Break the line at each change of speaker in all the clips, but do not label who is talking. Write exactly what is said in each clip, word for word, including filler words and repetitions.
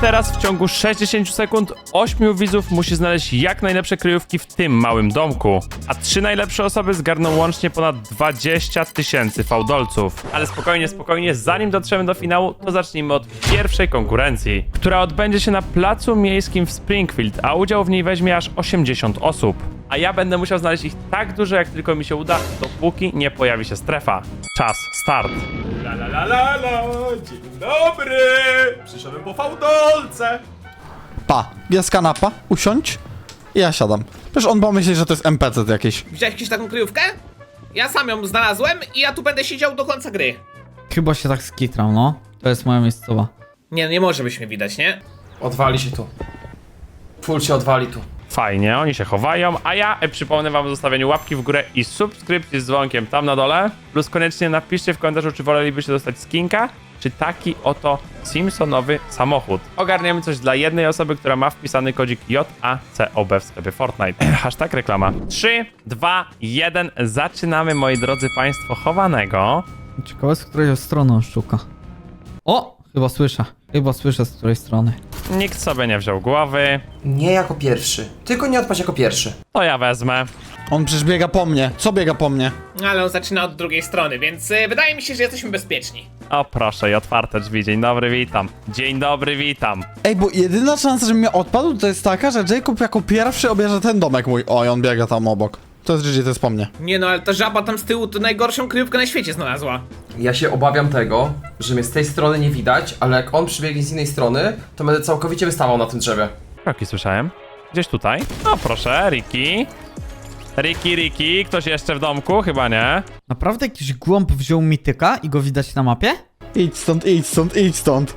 teraz w ciągu sześćdziesięciu sekund ośmiu widzów musi znaleźć jak najlepsze kryjówki w tym małym domku. A trzy najlepsze osoby zgarną łącznie ponad dwadzieścia tysięcy fałdolców. Ale spokojnie, spokojnie, zanim dotrzemy do finału, to zacznijmy od pierwszej konkurencji, która odbędzie się na placu miejskim w Springfield, a udział w niej weźmie aż osiemdziesiąt osób. A ja będę musiał znaleźć ich tak dużo, jak tylko mi się uda, dopóki nie pojawi się strefa. Czas, start.
La la la la la, dzień dobry! Przyszedłem po fałdolce!
Pa, jest kanapa, usiądź i ja siadam. Przecież on pomyśli, że to jest N P C jakiś.
Widziałeś jakąś taką kryjówkę? Ja sam ją znalazłem i ja tu będę siedział do końca gry.
Chyba się tak skitrał, no. To jest moja miejscowa.
Nie, nie może być mnie widać, nie?
Odwali się tu. Full się odwali tu.
Fajnie, oni się chowają, a ja e, przypomnę wam o zostawieniu łapki w górę i subskrypcji z dzwonkiem tam na dole. Plus koniecznie napiszcie w komentarzu, czy wolelibyście dostać skinka, czy taki oto Simpsonowy samochód. Ogarniemy coś dla jednej osoby, która ma wpisany kodzik J A C O B w sklepie Fortnite. Hashtag reklama. trzy, dwa, jeden, zaczynamy, moi drodzy państwo, chowanego.
Ciekawe, z której strony on szuka. O! Chyba słyszę. Chyba słyszę, z której strony.
Nikt sobie nie wziął głowy.
Nie jako pierwszy. Tylko nie odpaść jako pierwszy.
To ja wezmę.
On przecież biega po mnie. Co biega po mnie?
Ale on zaczyna od drugiej strony, więc y, wydaje mi się, że jesteśmy bezpieczni.
O proszę, i otwarte drzwi. Dzień dobry, witam. Dzień dobry, witam.
Ej, bo jedyna szansa, że mnie odpadł, to jest taka, że Jacob jako pierwszy obierze ten domek mój. Oj, on biega tam obok. To jest G G, to jest po mnie.
Nie no, ale ta żaba tam z tyłu to najgorszą kryjówkę na świecie znalazła.
Ja się obawiam tego, że mnie z tej strony nie widać, ale jak on przybiegnie z innej strony, to będę całkowicie wystawał na tym drzewie.
Kroki słyszałem. Gdzieś tutaj. O proszę, Ricky. Ricky, Ricky. Ktoś jeszcze w domku? Chyba nie.
Naprawdę jakiś głąb wziął mityka i go widać na mapie?
Idź stąd, idź stąd, idź stąd.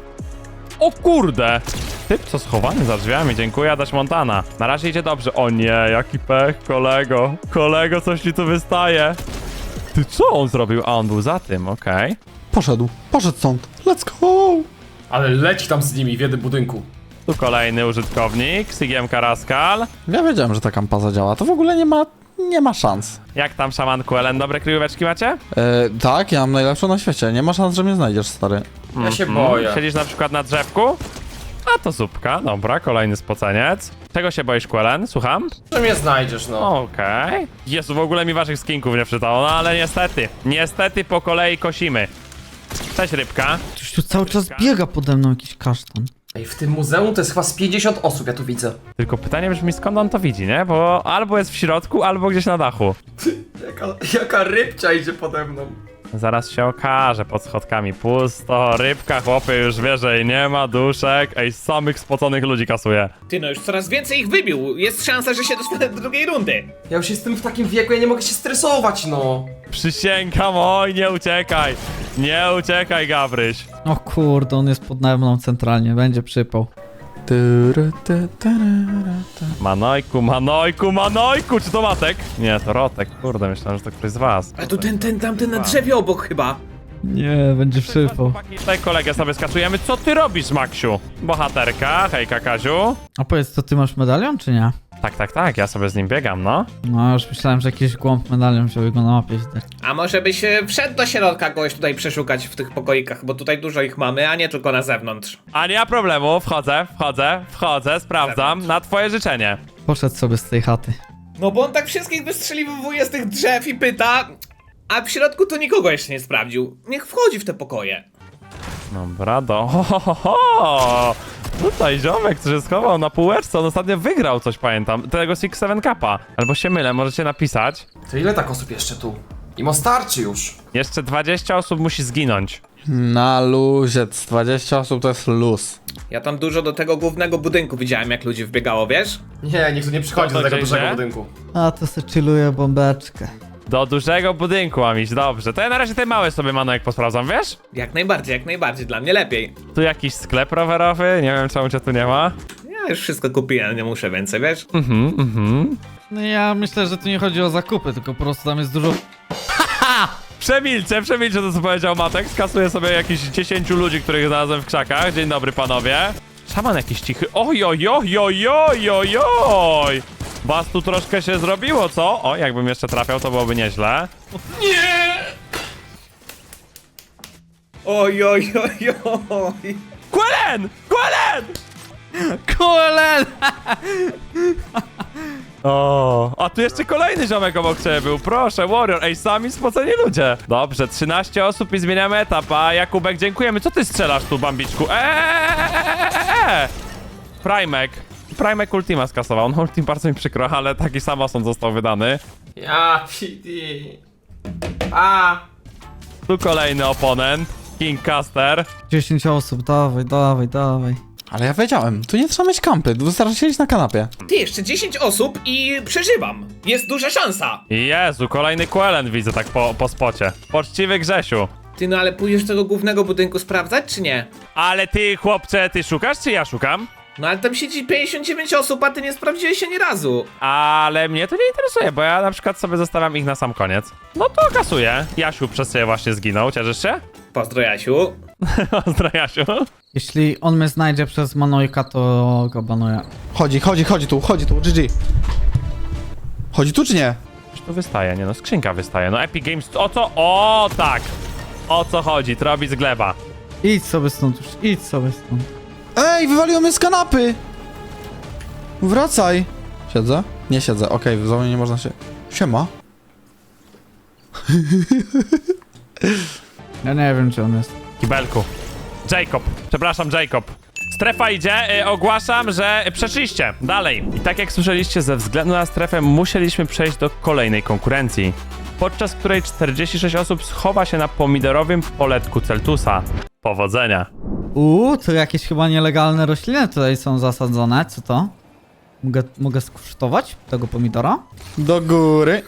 O kurde! Typ co schowany za drzwiami, dziękuję, Adaś Montana. Na razie idzie dobrze. O nie, jaki pech, kolego. Kolego, coś ci tu wystaje. Ty co on zrobił? A on był za tym, okej.
Poszedł, poszedł stąd. Let's go!
Ale leci tam z nimi w jednym budynku.
Tu kolejny użytkownik, Sigiem Karaskal.
Ja wiedziałem, że ta kampa zadziała. To w ogóle nie ma, nie ma szans.
Jak tam, szamanku Ellen, dobre kryjóweczki macie?
E, tak, ja mam najlepszą na świecie. Nie ma szans, że mnie znajdziesz, stary.
Ja się
Mm,
boję.
Siedzisz na przykład na drzewku? A to zupka, dobra, kolejny spoceniec. Czego się boisz, Quellen? Słucham?
Że mnie znajdziesz, no.
Okej. Jezu, w ogóle mi waszych skinków nie wczytało, no ale niestety. Niestety po kolei kosimy. Cześć, rybka.
Ktoś tu cały czas biega pode mną, jakiś kasztan.
Ej, w tym muzeum to jest chyba z pięćdziesiąt osób, ja tu widzę.
Tylko pytanie brzmi, skąd on to widzi, nie? Bo albo jest w środku, albo gdzieś na dachu.
Jaka, jaka rybcia idzie pode mną.
Zaraz się okaże, pod schodkami pusto, rybka, chłopie, już wie, że jej nie ma, duszek. Ej, samych spoconych ludzi kasuje.
Ty no, już coraz więcej ich wybił. Jest szansa, że się dostanę do drugiej rundy.
Ja już jestem w takim wieku, ja nie mogę się stresować, no.
Przysięgam, oj, nie uciekaj. Nie uciekaj, Gabryś.
O kurde, on jest pod mną centralnie, będzie przypał.
Tyry, ty, tyry, ty.
Manojku, Manojku, Manojku! Czy to Matek? Nie, to Rotek. Kurde, myślałem, że to ktoś z was.
A tu ten, ten, tamten na drzewie obok chyba.
Nie, będzie przypał.
Tutaj kolegę sobie skasujemy. Co ty robisz, Maksiu? Bohaterka, hejka, Kaziu.
A powiedz, to ty masz medalion, czy nie?
Tak, tak, tak, ja sobie z nim biegam, no.
No, już myślałem, że jakiś głąb medalion wziął i go na mapie widać.
A może byś y, wszedł do środka kogoś tutaj przeszukać w tych pokoikach, bo tutaj dużo ich mamy, a nie tylko na zewnątrz.
A nie ma problemu, wchodzę, wchodzę, wchodzę, sprawdzam, na twoje życzenie.
Poszedł sobie z tej chaty.
No bo on tak wszystkich wystrzeliwuje z tych drzew i pyta, a w środku to nikogo jeszcze nie sprawdził. Niech wchodzi w te pokoje.
Dobra, do... Ho, ho, ho, ho. Tutaj ziomek, który się schował na półeczce, on ostatnio wygrał coś, pamiętam, tego Six Seven Cupa. Albo się mylę, możecie napisać.
To ile tak osób jeszcze tu? Imo starczy już.
Jeszcze dwadzieścia osób musi zginąć.
Na luzie, dwadzieścia osób to jest luz.
Ja tam dużo do tego głównego budynku widziałem, jak ludzi wbiegało, wiesz?
Nie, nikt tu nie przychodzi
To
do tego
gdzieś,
dużego
że?
budynku.
A, to se chilluje bombeczkę.
Do dużego budynku mam iść, dobrze. To ja na razie te małe sobie, Manojek, posprawdzam, wiesz?
Jak najbardziej, jak najbardziej, dla mnie lepiej.
Tu jakiś sklep rowerowy, nie wiem czemu cię tu nie ma.
Ja już wszystko kupiłem, nie muszę więcej, wiesz?
Mhm, mhm.
No ja myślę, że tu nie chodzi o zakupy, tylko po prostu tam jest dużo...
Przemilczę, przemilczę to co powiedział Matek. Skasuję sobie jakichś dziesięciu ludzi, których znalazłem w krzakach. Dzień dobry, panowie. Szaman jakiś cichy. Oj, oj, oj, oj, oj, oj, oj. Was tu troszkę się zrobiło, co? O, jakbym jeszcze trafiał, to byłoby nieźle.
Oj, oj, oj, oj.
Quellen! Quellen!
Kuelen!
O, a tu jeszcze kolejny ziomek obok ciebie był, proszę, Warrior, ej, sami spoceni ludzie. Dobrze, trzynaście osób i zmieniamy etap, a Jakubek, dziękujemy. Co ty strzelasz tu, Bambiczku? Eee! Primek. Primek Ultima skasował, on Ultim bardzo mi przykro, ale taki sam osąd został wydany.
Ja, P D. A.
Tu kolejny oponent, King Caster.
dziesięć osób, dawaj, dawaj, dawaj.
Ale ja wiedziałem, tu nie trzeba mieć kampy, wystarczy siedzieć na kanapie.
Ty, jeszcze dziesięć osób i przeżywam. Jest duża szansa.
Jezu, kolejny Quellen widzę tak po, po spocie. Poczciwy Grzesiu.
Ty, no ale pójdziesz do tego głównego budynku sprawdzać, czy nie?
Ale ty, chłopcze, ty szukasz, czy ja szukam?
No ale tam siedzi pięćdziesiąt dziewięć osób, a ty nie sprawdziłeś się ani razu.
Ale mnie to nie interesuje, bo ja na przykład sobie zostawiam ich na sam koniec. No to kasuję. Jasiu przez ciebie właśnie zginął, cieszysz się?
Pozdro, Jasiu.
Pozdro, Jasiu.
Jeśli on mnie znajdzie przez Manojka, to go banuję.
Chodzi, chodzi, chodzi tu, chodzi tu, G G. Chodzi tu czy nie?
Coś tu wystaje, nie no, skrzynka wystaje. No Epic Games, o co? O tak! O co chodzi? Trobi z gleba.
Idź sobie stąd już, idź sobie stąd.
Ej, wywaliło mnie z kanapy! Wracaj! Siedzę? Nie siedzę, okej, w zonie nie można się... Siema.
Ja nie wiem, czy on jest.
Kibelku. Jacob, przepraszam, Jacob. Strefa idzie, y, ogłaszam, że przeszliście. Dalej. I tak jak słyszeliście, ze względu na strefę musieliśmy przejść do kolejnej konkurencji, podczas której czterdzieści sześć osób schowa się na pomidorowym poletku Celtusa. Powodzenia.
Uuu, to jakieś chyba nielegalne rośliny tutaj są zasadzone, co to? Mogę, mogę skosztować tego pomidora?
Do góry.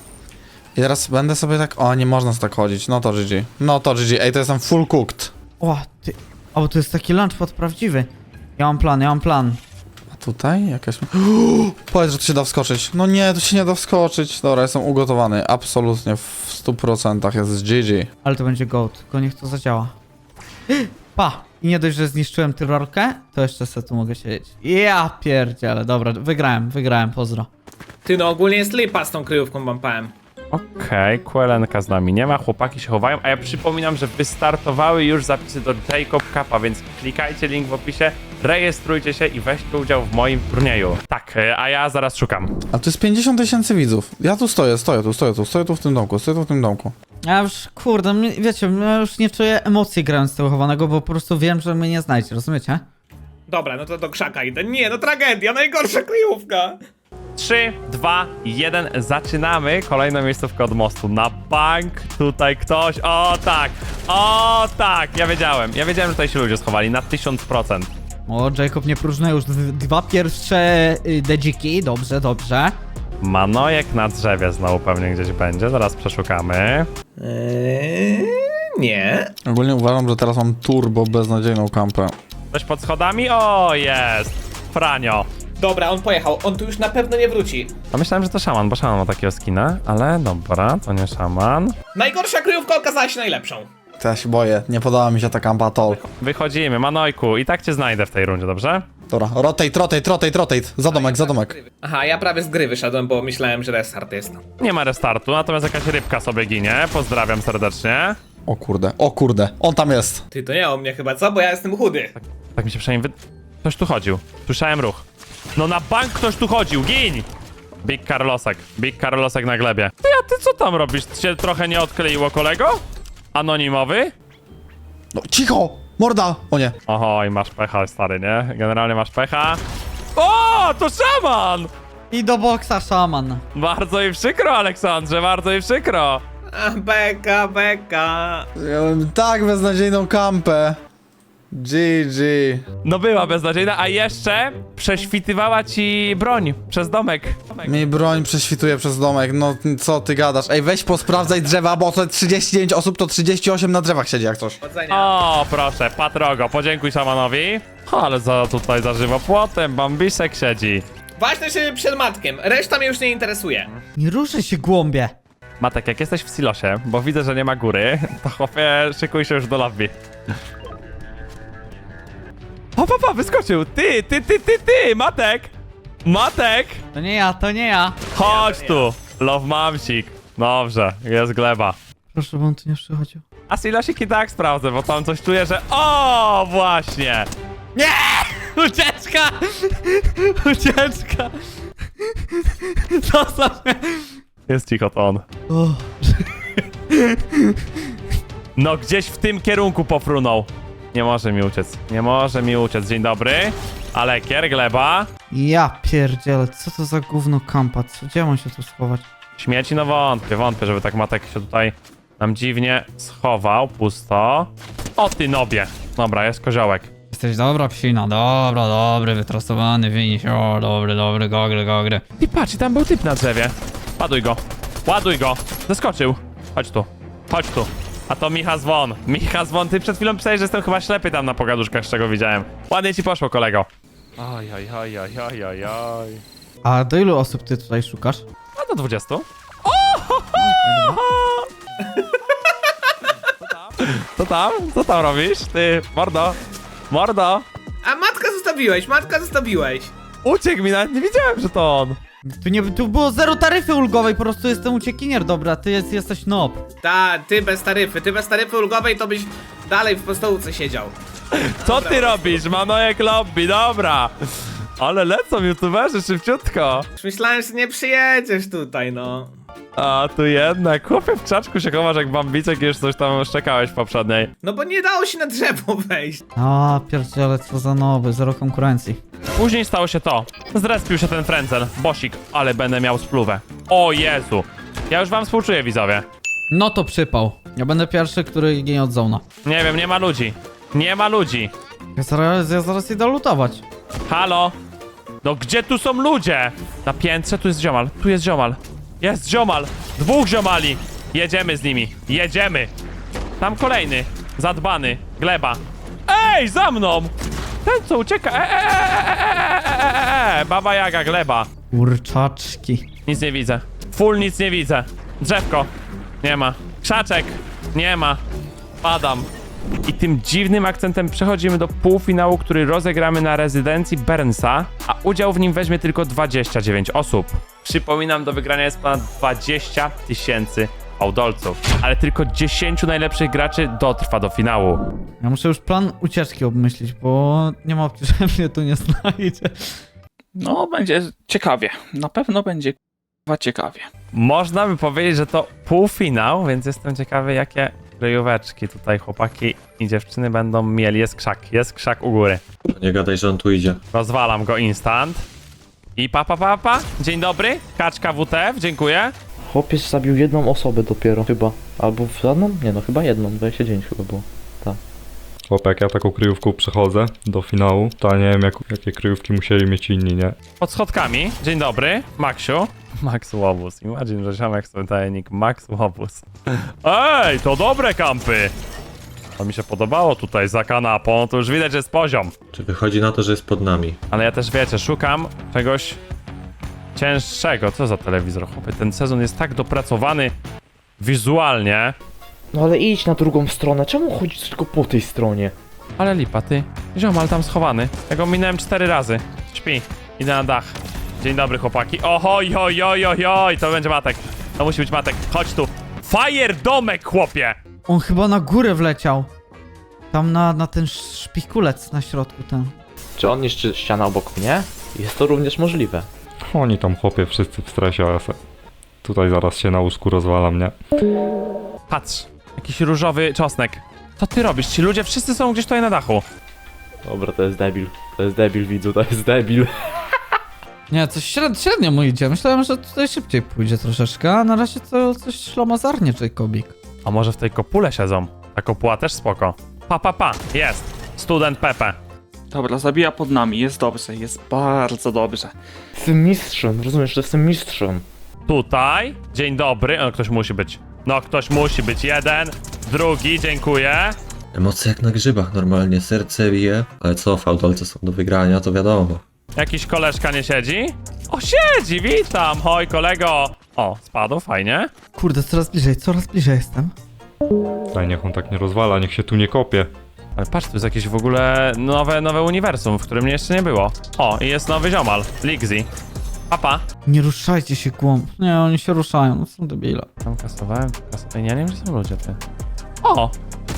I teraz będę sobie tak... O, nie można tak chodzić, no to G G. No to G G, ej, to jestem full cooked.
O, ty... O, to jest taki lunchpad prawdziwy. Ja mam plan, ja mam plan.
A tutaj jakaś... Powiedz, że tu się da wskoczyć. No nie, tu się nie da wskoczyć. Dobra, jestem ugotowany. Absolutnie w stu procentach jest G G.
Ale to będzie goat, tylko niech to zadziała. Pa! I nie dość, że zniszczyłem tyrolkę, to jeszcze sobie tu mogę siedzieć. Ja pierdziele, dobra, wygrałem, wygrałem, pozdro.
Ty, no ogólnie jest lipa z tą kryjówką, wam powiem.
Okej, okay, Quelenka z nami nie ma, chłopaki się chowają, a ja przypominam, że wystartowały już zapisy do Jacob Cupa, więc klikajcie link w opisie, rejestrujcie się i weźcie udział w moim turnieju. Tak, e, a ja zaraz szukam.
A tu jest pięćdziesiąt tysięcy widzów. Ja tu stoję, stoję tu, stoję tu, stoję tu w tym domku, stoję tu w tym domku.
Ja już, kurde, mnie- wiecie, ja już nie czuję emocji grając tego chowanego, bo po prostu wiem, że mnie nie znajdzie, rozumiecie?
Dobra, no to do krzaka idę. Nie, no tragedia, najgorsza kryjówka.
trzy, dwa, jeden, zaczynamy. Kolejną miejscówkę od mostu. Na bank tutaj ktoś. O tak, o tak, ja wiedziałem. Ja wiedziałem, że tutaj się ludzie schowali na tysiąc procent.
O, Jacob nie próżnuje już d- dwa pierwsze y, dedziki, dobrze, dobrze.
Manojek na drzewie znowu pewnie gdzieś będzie, zaraz przeszukamy.
Eee, nie.
Ogólnie uważam, że teraz mam turbo beznadziejną kampę.
Ktoś pod schodami? O, jest! Franio.
Dobra, on pojechał, on tu już na pewno nie wróci.
A myślałem, że to szaman, bo szaman ma takiego skina, ale dobra, to nie szaman.
Najgorsza kryjówka okazała się najlepszą.
To ja się boję, nie podoba mi się ta kampa at all.
Wychodzimy, Manojku, i tak cię znajdę w tej rundzie, dobrze?
Dobra, rotate, rotate, rotate, rotate. Za domek, za domek.
Aha, ja prawie z gry wyszedłem, bo myślałem, że restart jest.
Nie ma restartu, natomiast jakaś rybka sobie ginie, pozdrawiam serdecznie.
O kurde, o kurde, on tam jest.
Ty, to nie o mnie chyba, co? Bo ja jestem chudy.
Tak mi się przynajmniej wy... Ktoś tu chodził, słyszałem ruch. No na bank ktoś tu chodził, gin! Big Carlosek, Big Carlosek na glebie. Ty, a ty co tam robisz? Cię trochę nie odkleiło, kolego? Anonimowy?
No cicho, morda. O nie.
Oho, i masz pecha, stary, nie? Generalnie masz pecha. O, to szaman!
I do boksa szaman.
Bardzo mi przykro, Aleksandrze, bardzo mi przykro.
A, beka, beka.
Ja mam tak beznadziejną kampę. G G.
No była beznadziejna, a jeszcze prześwitywała ci broń przez domek.
Mi broń prześwituje przez domek, no co ty gadasz? Ej, weź posprawdzaj drzewa, bo to trzydzieści dziewięć osób, to trzydzieści osiem na drzewach siedzi jak coś.
Powodzenia.
O, proszę, Patrogo, podziękuj szamanowi. Ale za tutaj za żywopłotem, Bambisek siedzi.
Ważne, że przed matkiem, reszta mnie już nie interesuje.
Nie ruszaj się, głąbie.
Matek, jak jesteś w silosie, bo widzę, że nie ma góry, to chłopie, szykuj się już do lobby. O, papa, wyskoczył! Ty, ty, ty, ty, ty, Matek! Matek!
To nie ja, to nie ja.
Chodź tu! Love mamsik. Dobrze, jest gleba.
Proszę, bo on tu nie przychodził.
A silosik i tak sprawdzę, bo tam coś czuję, że... O, właśnie! Nie!
Ucieczka! Ucieczka! Zostaw mnie!
Jest cicho, to on.
O.
No gdzieś w tym kierunku pofrunął. Nie może mi uciec. Nie może mi uciec. Dzień dobry. Alekier, gleba.
Ja pierdzielę, co to za gówno kampa? Co, gdzie mam się tu schować?
Śmieci, no wątpię, wątpię, żeby tak Matek się tutaj nam dziwnie schował. Pusto. O ty nobie. Dobra, jest koziołek.
Jesteś dobra psina, dobra, dobry, wytrasowany, winiś, o, dobry, dobry, gogry, gogry.
I patrz, i tam był typ na drzewie. Ładuj go. Ładuj go. Zeskoczył. Chodź tu. Chodź tu. A to Micha Zwon. Micha Zwon, ty przed chwilą pisałeś, że jestem chyba ślepy tam na pogaduszkach, z czego widziałem. Ładnie ci poszło, kolego. Oj, oj, oj, oj, oj, oj, oj.
A do ilu osób ty tutaj szukasz?
A do dwudziestu. Co tam? Co tam robisz? Ty, mordo. Mordo.
A matka zostawiłeś, matka zostawiłeś.
Uciekł mi, nawet nie wiedziałem, że to on.
Tu nie, tu było zero taryfy ulgowej, po prostu jestem uciekinier, dobra, ty jest, jesteś nob.
Ta, ty bez taryfy, ty bez taryfy ulgowej to byś dalej w postołówce siedział.
Co ty robisz? Manojek lobby, dobra. Ale lecą youtuberzy szybciutko.
Już myślałem, że nie przyjedziesz tutaj, no.
A tu jednak, chłopie w czaczku się chowasz jak bambicek i już coś tam szczekałeś w poprzedniej.
No bo nie dało się na drzewo wejść.
A pierdziele, co za noby, zero konkurencji.
Później stało się to. Zrespił się ten frędzel, bosik, ale będę miał spluwę. O Jezu. Ja już wam współczuję, widzowie.
No to przypał. Ja będę pierwszy, który ginie od zona.
Nie wiem, nie ma ludzi. Nie ma ludzi.
Ja zaraz, ja zaraz idę lutować.
Halo? No gdzie tu są ludzie? Na piętrze tu jest ziomal, tu jest ziomal. Jest ziomal, dwóch ziomali. Jedziemy z nimi, jedziemy. Tam kolejny, zadbany, gleba. Ej, za mną! Ten co ucieka, e, e, e, e, e, e, Baba Jaga, gleba.
Kurczaczki.
Nic nie widzę, full nic nie widzę. Drzewko, nie ma. Krzaczek, nie ma. Padam. I tym dziwnym akcentem przechodzimy do półfinału, który rozegramy na rezydencji Bernsa, a udział w nim weźmie tylko dwadzieścia dziewięć osób. Przypominam, do wygrania jest ponad dwadzieścia tysięcy fałdolców, ale tylko dziesięciu najlepszych graczy dotrwa do finału.
Ja muszę już plan ucieczki obmyślić, bo nie ma opcji, że mnie tu nie znajdzie.
No, będzie ciekawie. Na pewno będzie k***wa ciekawie.
Można by powiedzieć, że to półfinał, więc jestem ciekawy, jakie kryjóweczki tutaj chłopaki i dziewczyny będą mieli. Jest krzak, jest krzak u góry.
Nie gadaj, że on tu idzie.
Rozwalam go instant. I pa, pa, pa, pa. Dzień dobry. Kaczka W T F, dziękuję.
Chłopiec zabił jedną osobę dopiero, chyba. Albo w żadną? Nie no, chyba jedną, dwadzieścia dziewięć chyba było.
Chłopie, jak ja taką kryjówką przechodzę do finału, to nie wiem jak, jakie kryjówki musieli mieć inni, nie?
Pod schodkami. Dzień dobry. Maksiu. Max Łobuz. Imagine, że ziomek sobie daje nick Max Łobuz. Ej, to dobre kampy. To mi się podobało tutaj za kanapą. To już widać, że jest poziom.
Czy wychodzi na to, że jest pod nami?
Ale ja też, wiecie, szukam czegoś cięższego. Co za telewizor, chłopie? Ten sezon jest tak dopracowany wizualnie.
No ale idź na drugą stronę, czemu chodzisz tylko po tej stronie?
Ale lipa, ty. Ziomal tam schowany. Ja go minąłem cztery razy. Śpi. Idę na dach. Dzień dobry, chłopaki. Ohoj, oj, oj, oj, oj. To będzie Matek. To musi być Matek. Chodź tu. Fire domek, chłopie!
On chyba na górę wleciał. Tam na, na ten szpikulec na środku ten.
Czy on niszczy ścianę obok mnie? Jest to również możliwe.
Oni tam chłopie wszyscy w stresie, a ja se tutaj zaraz się na łóżku rozwalam, nie?
Patrz. Jakiś różowy czosnek. Co ty robisz? Ci ludzie wszyscy są gdzieś tutaj na dachu.
Dobra, to jest debil. To jest debil, widzu, to jest debil.
Nie, coś średnio, średnio mu idzie. Myślałem, że tutaj szybciej pójdzie troszeczkę, a na razie to coś ślamazarnie, Jacobik.
A może w tej kopule siedzą? Ta kopuła też spoko. Pa, pa, pa. Jest. Student Pepe.
Dobra, zabija pod nami, jest dobrze, jest bardzo dobrze.
Jestem mistrzem, rozumiesz, że jestem mistrzem.
Tutaj. Dzień dobry. O, ktoś musi być. No, ktoś musi być. Jeden. Drugi. Dziękuję.
Emocje jak na grzybach normalnie, serce bije. Ale co, fałdolce są do wygrania, to wiadomo.
Jakiś koleżka nie siedzi? O, siedzi. Witam. Hoj, kolego. O, spadł. Fajnie.
Kurde, coraz bliżej, coraz bliżej jestem.
Daj, niech on tak nie rozwala, niech się tu nie kopie.
Ale patrz, tu jest jakieś w ogóle nowe, nowe uniwersum, w którym mnie jeszcze nie było. O, i jest nowy ziomal. Ligzy. Papa.
Nie ruszajcie się głąb. Nie, oni się ruszają, no są debile.
Tam kasowałem, tu kasowałem. Ja nie wiem, że są ludzie, ty. O!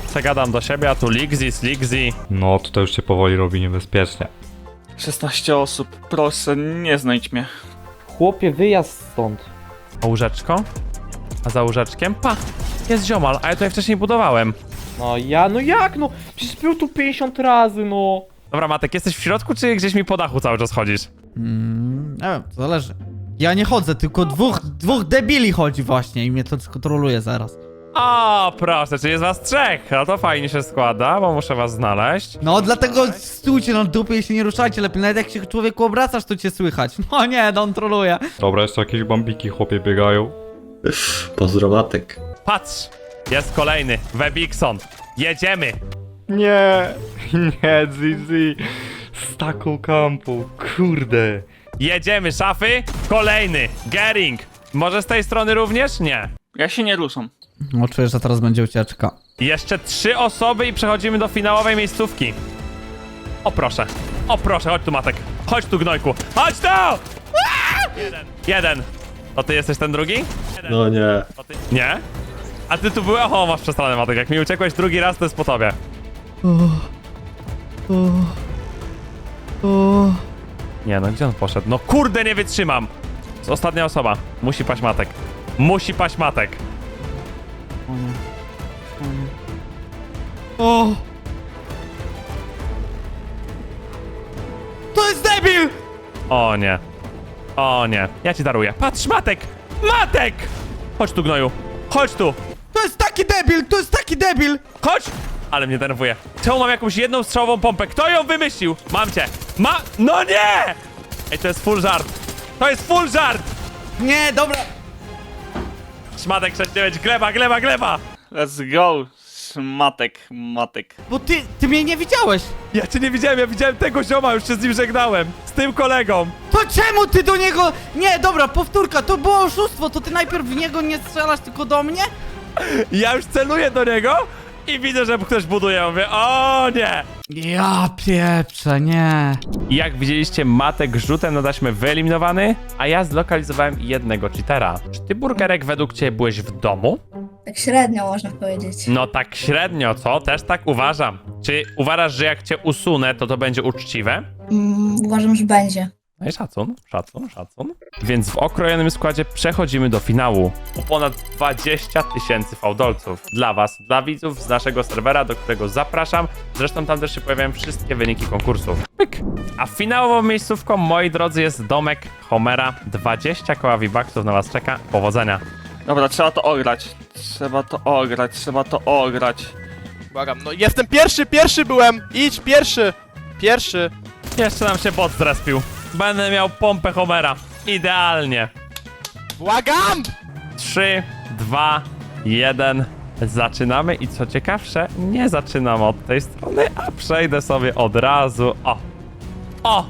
Zagadam do siebie, a tu Ligzis, Ligzi.
No, tutaj już się powoli robi niebezpiecznie.
szesnaście osób, proszę, nie znajdź mnie.
Chłopie, wyjazd stąd.
A łóżeczko? A za łóżeczkiem? Pa! Jest ziomal, a ja tutaj wcześniej budowałem.
No ja, no jak no? Przecież był tu pięćdziesiąt razy, no.
Dobra, Matek, jesteś w środku, czy gdzieś mi po dachu cały czas chodzisz?
Mm, nie wiem, to zależy. Ja nie chodzę, tylko dwóch, dwóch debili chodzi właśnie i mnie to kontroluje zaraz.
O, proszę, czy jest was trzech? No to fajnie się składa, bo muszę was znaleźć.
No dlatego stójcie na dupie i się nie ruszajcie lepiej, nawet jak się człowieku obracasz, to cię słychać. No nie, no on troluje.
Dobra, jeszcze jakieś bambiki chłopie biegają.
Pozdro Matek.
Patrz, jest kolejny, Webikson. Jedziemy.
Nie, nie, Zizi. Z taką kampą, kurde.
Jedziemy, szafy. Kolejny, Gering. Może z tej strony również? Nie.
Ja się nie ruszam.
No czuję, że teraz będzie ucieczka.
Jeszcze trzy osoby i przechodzimy do finałowej miejscówki. O proszę, o proszę, chodź tu, Matek. Chodź tu, gnojku. Chodź tu! Jeden. Jeden. To ty jesteś ten drugi? Jeden.
No nie.
To ty... Nie? A ty tu byłeś? O, masz przestranę, Matek. Jak mi uciekłeś drugi raz, to jest po tobie. Nie, no gdzie on poszedł? No kurde, nie wytrzymam. To jest ostatnia osoba. Musi paść Matek. Musi paść Matek.
O! To jest debil!
O nie. O nie. Ja ci daruję. Patrz, Matek! Matek! Chodź tu, gnoju. Chodź tu.
To jest taki debil, to jest taki debil!
Chodź! Ale mnie denerwuje. Czemu mam jakąś jedną strzałową pompę? Kto ją wymyślił? Mam cię. Ma... No nie! Ej, to jest full żart. To jest full żart!
Nie, dobra.
Szmatek sześć dziewięć. Gleba, gleba, gleba!
Let's go, matek, matek.
Bo ty, ty mnie nie widziałeś.
Ja cię nie widziałem, ja widziałem tego zioma, już się z nim żegnałem. Z tym kolegą.
To czemu ty do niego... Nie, dobra, powtórka, to było oszustwo, to ty najpierw w niego nie strzelasz, tylko do mnie?
Ja już celuję do niego i widzę, że ktoś buduje. Ja mówię, o nie!
Ja pieprzę, nie.
Jak widzieliście, Matek rzutem na taśmę wyeliminowany, a ja zlokalizowałem jednego cheatera. Czy ty, Burgerek, według ciebie byłeś w domu?
Tak średnio można powiedzieć.
No tak średnio, co? Też tak uważam. Czy uważasz, że jak cię usunę, to to będzie uczciwe?
Mm, uważam, że będzie.
No i szacun, szacun, szacun. Więc w okrojonym składzie przechodzimy do finału. O ponad dwadzieścia tysięcy fałdolców. Dla was, dla widzów z naszego serwera, do którego zapraszam. Zresztą tam też się pojawiają wszystkie wyniki konkursów. Pyk! A finałową miejscówką, moi drodzy, jest domek Homera. dwadzieścia koła V-Bucksów na was czeka. Powodzenia.
Dobra, trzeba to ograć. Trzeba to ograć, trzeba to ograć.
Błagam, no jestem pierwszy, pierwszy byłem! Idź, pierwszy! Pierwszy!
Jeszcze nam się bot zrespił. Będę miał pompę Homera. Idealnie.
Błagam!
trzy, dwa, jeden. Zaczynamy i co ciekawsze, nie zaczynam od tej strony, a przejdę sobie od razu. O! O!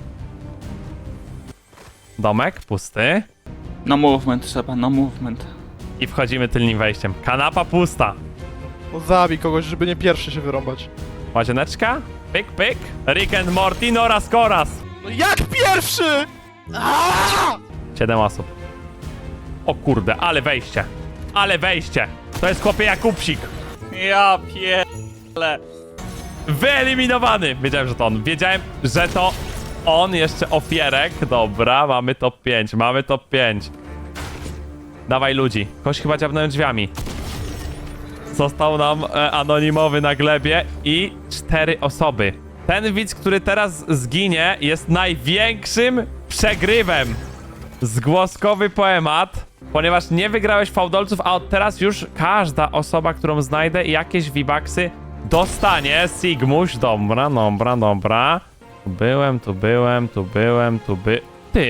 Domek pusty.
No movement trzeba, no movement.
I wchodzimy tylnym wejściem. Kanapa pusta.
No zabij kogoś, żeby nie pierwszy się wyrąbać.
Łazieneczka. Pyk, pyk. Rick and Morty, Noras Koras.
No jak pierwszy?! Aaaa!
Siedem osób. O kurde, ale wejście. Ale wejście. To jest chłopie Jakubsik.
Ja pierdolę.
Wyeliminowany! Wiedziałem, że to on. Wiedziałem, że to on. Jeszcze ofierek. Dobra, mamy top pięć. Mamy top pięć. Dawaj ludzi. Ktoś chyba dziabnął drzwiami. Został nam e, anonimowy na glebie i cztery osoby. Ten widz, który teraz zginie, jest największym przegrywem. Zgłoskowy poemat. Ponieważ nie wygrałeś fałdolców, a od teraz już każda osoba, którą znajdę, jakieś V-Bucksy dostanie. Sigmuś, dobra, dobra, dobra. Tu byłem, tu byłem, tu byłem, tu by... Ty!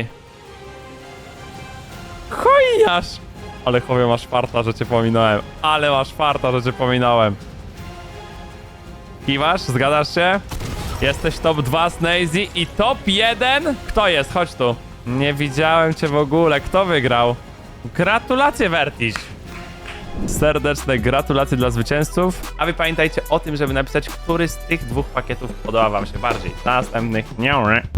Chojniarz! Ale chłopie, masz farta, że cię pominąłem. Ale masz farta, że cię pominąłem. Kiwasz? Zgadzasz się? Jesteś top dwa Snazy i top jeden? Kto jest? Chodź tu. Nie widziałem cię w ogóle. Kto wygrał? Gratulacje, Vertiś! Serdeczne gratulacje dla zwycięzców. A wy pamiętajcie o tym, żeby napisać, który z tych dwóch pakietów podoba wam się bardziej. Następnych nie.